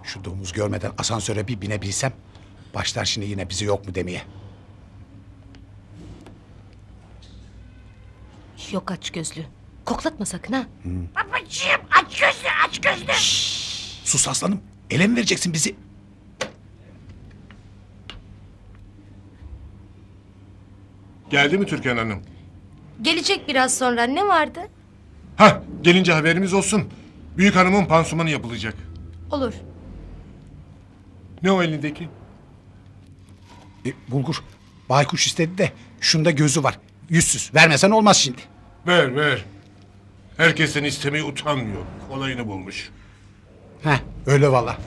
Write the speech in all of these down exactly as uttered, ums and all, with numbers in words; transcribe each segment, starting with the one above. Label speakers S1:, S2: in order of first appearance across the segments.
S1: Şu domuz görmeden asansöre bir binebilsem... başlar şimdi yine bizi yok mu demeye.
S2: Yok aç gözlü. Koklatma sakın ha.
S3: Babacığım aç gözlü aç gözlü.
S1: Sus aslanım. Ele mi vereceksin bizi?
S4: Geldi mi Türkan Hanım?
S2: Gelecek biraz sonra. Ne vardı?
S4: Hah, gelince haberimiz olsun. Büyük hanımın pansumanı yapılacak.
S2: Olur.
S4: Ne o elindeki?
S1: E, bulgur. Baykuş istedi de şunda gözü var. Yüzsüz. Vermesen olmaz şimdi.
S4: Ver ver. Herkesten istemeye utanmıyor. Kolayını bulmuş.
S1: Heh, öyle valla.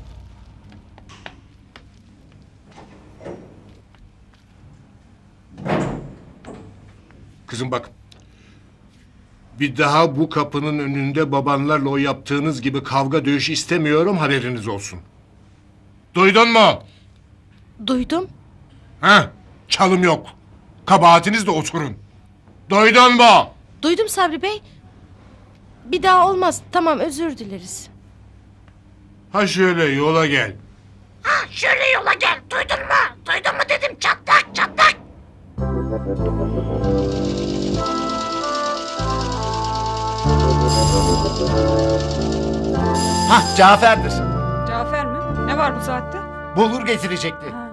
S4: Kızım bak. Bir daha bu kapının önünde babanlarla o yaptığınız gibi kavga dövüş istemiyorum, haberiniz olsun. Duydun mu?
S2: Duydum.
S4: Ha? Çalım yok. Kabahatiniz de oturun. Duydun mu?
S2: Duydum Sabri Bey. Bir daha olmaz. Tamam, özür dileriz.
S4: Ha şöyle yola gel.
S3: Ha şöyle yola gel duydun mu? Duydun mu dedim çatlak çatlak.
S5: Hah, Cafer'dir.
S6: Cafer mi? Ne var bu saatte?
S5: Bulgur getirecekti.
S6: Ha.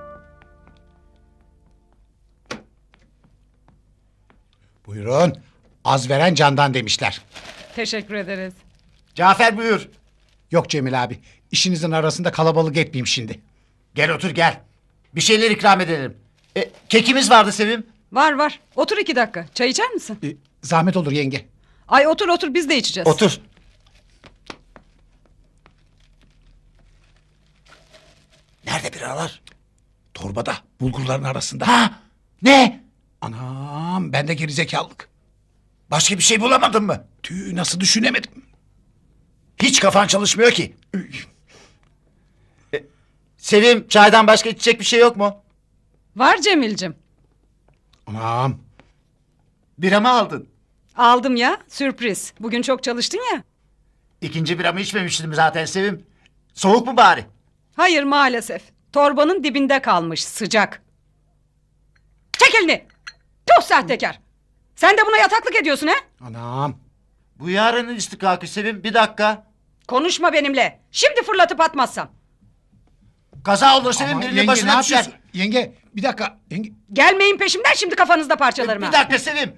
S1: Buyurun. Az veren candan demişler.
S6: Teşekkür ederiz.
S5: Cafer buyur.
S1: Yok Cemil abi. İşinizin arasında kalabalık etmeyeyim şimdi.
S5: Gel otur gel. Bir şeyler ikram edelim. E, kekimiz vardı Sevim.
S6: Var var. Otur iki dakika. Çay içer misin?
S1: E, zahmet olur yenge.
S6: Ay otur otur, biz de içeceğiz.
S5: Otur. Nerede biralar?
S1: Torbada. Bulgurların arasında.
S5: Ha? Ne?
S1: Anam ben de gerizekalılık.
S5: Başka bir şey bulamadın mı?
S1: Tüh nasıl düşünemedim.
S5: Hiç kafan çalışmıyor ki. E, Sevim, çaydan başka içecek bir şey yok mu?
S6: Var Cemil'cim.
S1: Anam.
S5: Bira mı aldın?
S6: Aldım ya, sürpriz. Bugün çok çalıştın ya.
S5: İkinci biramı içmemiştim zaten Sevim. Soğuk mu bari?
S6: Hayır maalesef. Torbanın dibinde kalmış, sıcak. Çek elini. Tuh sahtekar. Sen de buna yataklık ediyorsun ha?
S1: Anam.
S5: Bu yarının istikakı Sevim, bir dakika.
S6: Konuşma benimle. Şimdi fırlatıp atmazsam.
S5: Kaza olur Sevim,
S1: Ama
S5: birinin
S1: yenge ne
S5: başına düşer.
S1: yapıyorsun? Yenge bir dakika. Yenge.
S6: Gelmeyin peşimden, şimdi kafanızda parçalarım
S5: Bir
S6: ha.
S5: dakika Sevim.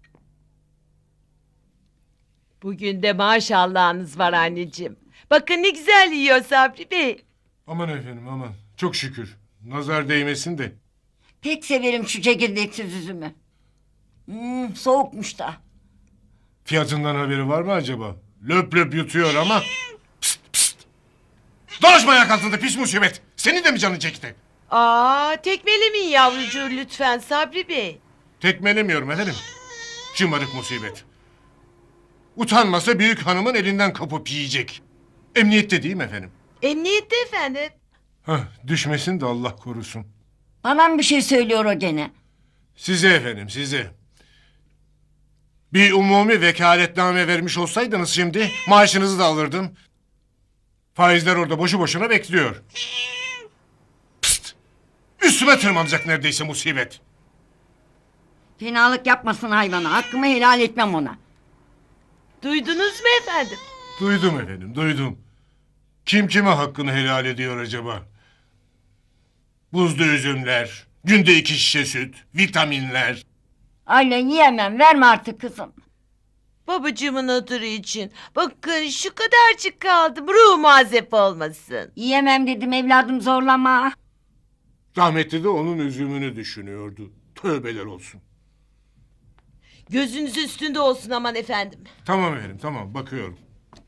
S7: Bugün de maşallahınız var anneciğim. Bakın ne güzel yiyor Sabri Bey.
S4: Aman efendim aman. Çok şükür. Nazar değmesin de.
S3: Pek severim şu çekirdeksiz üzümü. Hmm, soğukmuş da.
S4: Fiyatından haberi var mı acaba? Löp löp yutuyor ama. Pst pst. Dolaşma ayak altında pis musibet. Senin de mi canın çekti?
S7: Aa, tekmelemeyin yavrucuğu lütfen Sabri Bey.
S4: Tekmelemiyorum efendim. Şımarık musibet. Utanmasa büyük hanımın elinden kapıp yiyecek. Emniyette değil mi efendim?
S7: Emniyette efendim.
S4: Hah, düşmesin de Allah korusun.
S3: Bana mı bir şey söylüyor o gene?
S4: Size efendim size. Bir umumi vekaletname vermiş olsaydınız şimdi maaşınızı da alırdım. Faizler orada boşu boşuna bekliyor. Pst! Üstüme tırmanacak neredeyse musibet.
S3: Fenalık yapmasın hayvana. Hakkımı helal etmem ona.
S7: Duydunuz mu efendim?
S4: Duydum efendim duydum. Kim kime hakkını helal ediyor acaba? Buzlu üzümler, günde iki şişe süt, vitaminler.
S3: Aynen yiyemem. Verme artık kızım.
S7: Babacığımın hatırı için. Bakın şu kadarcık kaldım. Ruh mazep olmasın.
S3: Yiyemem dedim evladım zorlama.
S4: Rahmetli de onun üzümünü düşünüyordu. Tövbeler olsun.
S7: Gözünüz üstünde olsun aman efendim.
S4: Tamam efendim tamam bakıyorum.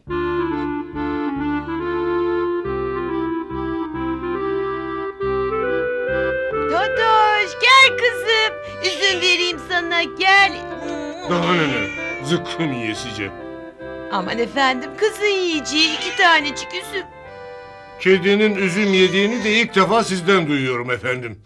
S7: Totoş gel kızım. Üzüm vereyim sana gel.
S4: Daha neler? Zıkkım yiyesice.
S7: Aman efendim kızın yiyeceği iki tanecik üzüm.
S4: Kedinin üzüm yediğini de ilk defa sizden duyuyorum efendim.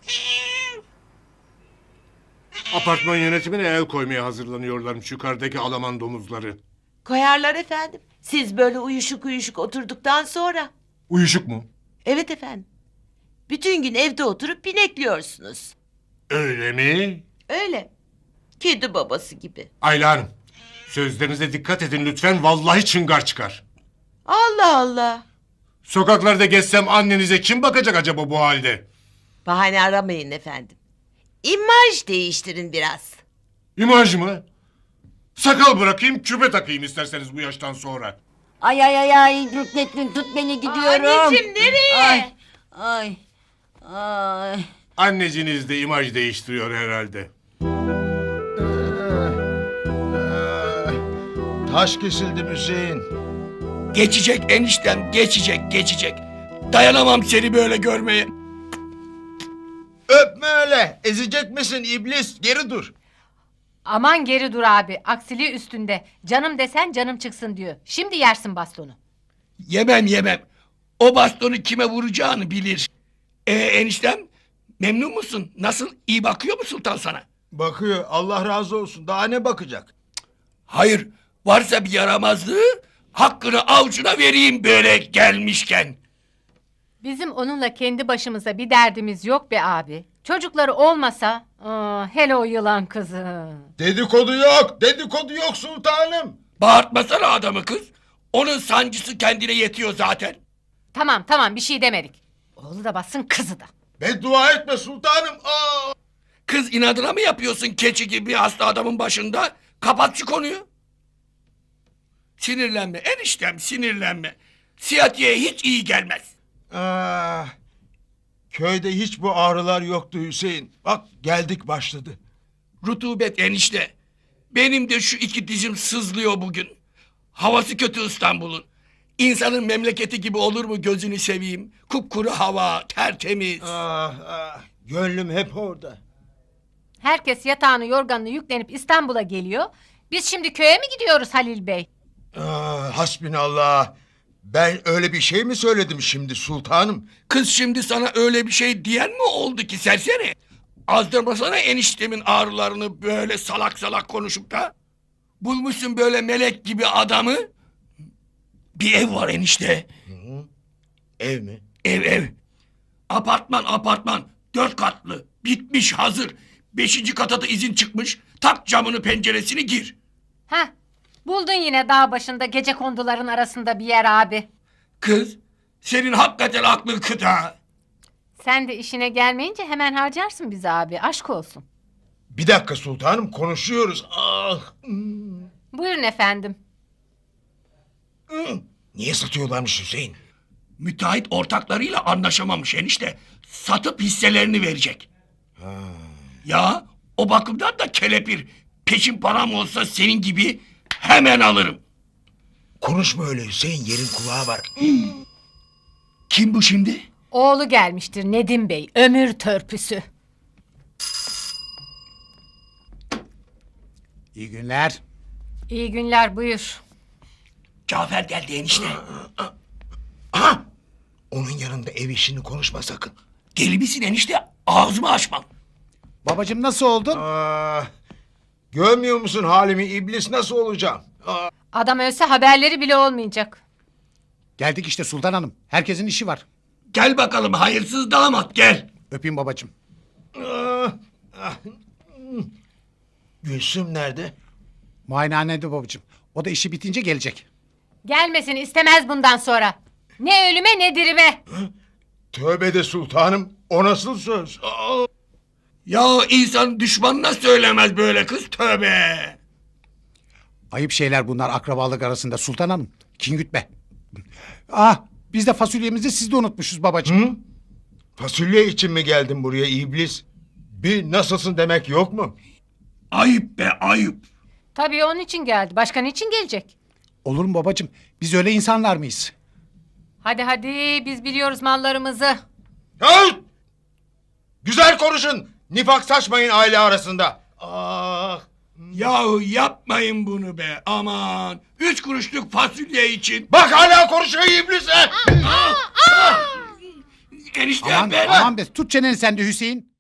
S4: Apartman yönetimine el koymaya hazırlanıyorlarmış yukarıdaki Alaman domuzları.
S7: Koyarlar efendim. Siz böyle uyuşuk uyuşuk oturduktan sonra.
S4: Uyuşuk mu?
S7: Evet efendim. Bütün gün evde oturup binekliyorsunuz.
S4: Öyle mi?
S7: Öyle. Kedi babası gibi.
S4: Ayla Hanım, sözlerinize dikkat edin lütfen. Vallahi çıngar çıkar.
S7: Allah Allah.
S4: Sokaklarda gezsem annenize kim bakacak acaba bu halde?
S7: Bahane aramayın efendim. İmaj değiştirin biraz.
S4: İmaj mı? Sakal bırakayım, küpe takayım isterseniz bu yaştan sonra.
S3: Ay ay ay ay Rüknettin tut beni gidiyorum.
S7: Anneciğim, nereye?
S3: Ay ay ay.
S4: Anneciniz de imaj değiştiriyor herhalde.
S8: Taş kesildi Hüseyin.
S9: Geçecek eniştem, geçecek, geçecek. Dayanamam seni böyle görmeye.
S8: Öpme öyle. Ezecek misin iblis? Geri dur.
S10: Aman geri dur abi. Aksiliği üstünde. Canım desen canım çıksın diyor. Şimdi yersin bastonu.
S9: Yemem yemem. O bastonu kime vuracağını bilir. Ee eniştem, memnun musun? Nasıl, iyi bakıyor mu sultan sana?
S8: Bakıyor. Allah razı olsun. Daha ne bakacak?
S9: Hayır, varsa bir yaramazlığı hakkını avucuna vereyim böyle gelmişken.
S10: Bizim onunla kendi başımıza bir derdimiz yok be abi. Çocukları olmasa... Aa, hele o yılan kızı.
S8: Dedikodu yok. Dedikodu yok sultanım.
S9: Bağırtmasana adamı kız. Onun sancısı kendine yetiyor zaten.
S10: Tamam tamam bir şey demedik. Oğlu da bassın kızı da.
S8: Beddua etme sultanım. Aa!
S9: Kız inadına mı yapıyorsun keçi gibi hasta adamın başında? Kapat şu konuyu. Sinirlenme eniştem, sinirlenme. Siyatiye hiç iyi gelmez.
S8: Ah, köyde hiç bu ağrılar yoktu Hüseyin. Bak geldik başladı.
S9: Rutubet enişte. Benim de şu iki dizim sızlıyor bugün. Havası kötü İstanbul'un. İnsanın memleketi gibi olur mu gözünü seveyim? Kupkuru hava, tertemiz.
S8: Ah, ah, gönlüm hep orada.
S10: Herkes yatağını yorganını yüklenip İstanbul'a geliyor. Biz şimdi köye mi gidiyoruz Halil Bey?
S8: Ah, hasbinallah. Ben öyle bir şey mi söyledim şimdi sultanım?
S9: Kız şimdi sana öyle bir şey diyen mi oldu ki serseri? Azdırmasana eniştemin ağrılarını böyle salak salak konuşup da. Bulmuşsun böyle melek gibi adamı. Bir ev var enişte.
S8: Ev mi?
S9: Ev ev. Apartman apartman. Dört katlı. Bitmiş hazır. Beşinci kata da izin çıkmış. Tak camını penceresini gir.
S10: Heh, buldun yine dağ başında gece konduların arasında bir yer abi.
S9: Kız senin hakikaten aklın kıta.
S10: Sen de işine gelmeyince hemen harcarsın bizi abi. Aşk olsun.
S8: Bir dakika sultanım konuşuyoruz. Ah. hmm.
S10: Buyurun efendim.
S8: Hmm. Niye satıyorlarmış Hüseyin?
S9: Müteahhit ortaklarıyla anlaşamamış enişte. Satıp hisselerini verecek. Ya o bakımdan da kelepir. Peşin param olsa senin gibi hemen alırım.
S8: Konuşma öyle Hüseyin yerin kulağı var.
S9: Kim bu şimdi?
S10: Oğlu gelmiştir Nedim Bey. Ömür törpüsü.
S1: İyi günler.
S10: İyi günler buyur.
S9: Cafer geldi enişte.
S8: Aha! Onun yanında ev işini konuşma sakın.
S9: Deli misin enişte? Ağzımı açmam.
S1: Babacığım nasıl oldun?
S8: Ah, görmüyor musun halimi iblis nasıl olacağım? Ah,
S10: Adam ölse haberleri bile olmayacak.
S1: Geldik işte Sultan Hanım. Herkesin işi var.
S9: Gel bakalım hayırsız damat gel.
S1: Öpeyim babacığım.
S8: ah, ah. Gülsüm nerede?
S1: Muayenehanede babacığım. O da işi bitince gelecek.
S10: Gelmesini istemez bundan sonra. Ne ölüme ne dirime.
S8: Tövbe de sultanım o nasıl söz? Ah!
S9: Ya insan düşmanına söylemez böyle kız tövbe.
S1: Ayıp şeyler bunlar akrabalık arasında Sultan Hanım. Kin gütme. Ah biz de fasulyemizi siz de unutmuşuz babacığım.
S8: Hı? Fasulye için mi geldin buraya iblis? Bir nasılsın demek yok mu?
S9: Ayıp be ayıp.
S10: Tabii onun için geldi. Başka niçin gelecek?
S1: Olur mu babacığım? Biz öyle insanlar mıyız?
S10: Hadi hadi biz biliyoruz mallarımızı.
S8: Hey! Güzel konuşun. Nifak saçmayın aile arasında. Ah!
S9: Yahu yapmayın bunu be aman. Üç kuruşluk fasulye için.
S8: Bak hala konuşuyor iblise.
S9: Enişte
S1: Aman,
S9: ben...
S1: aman be tut çeneni sen de Hüseyin.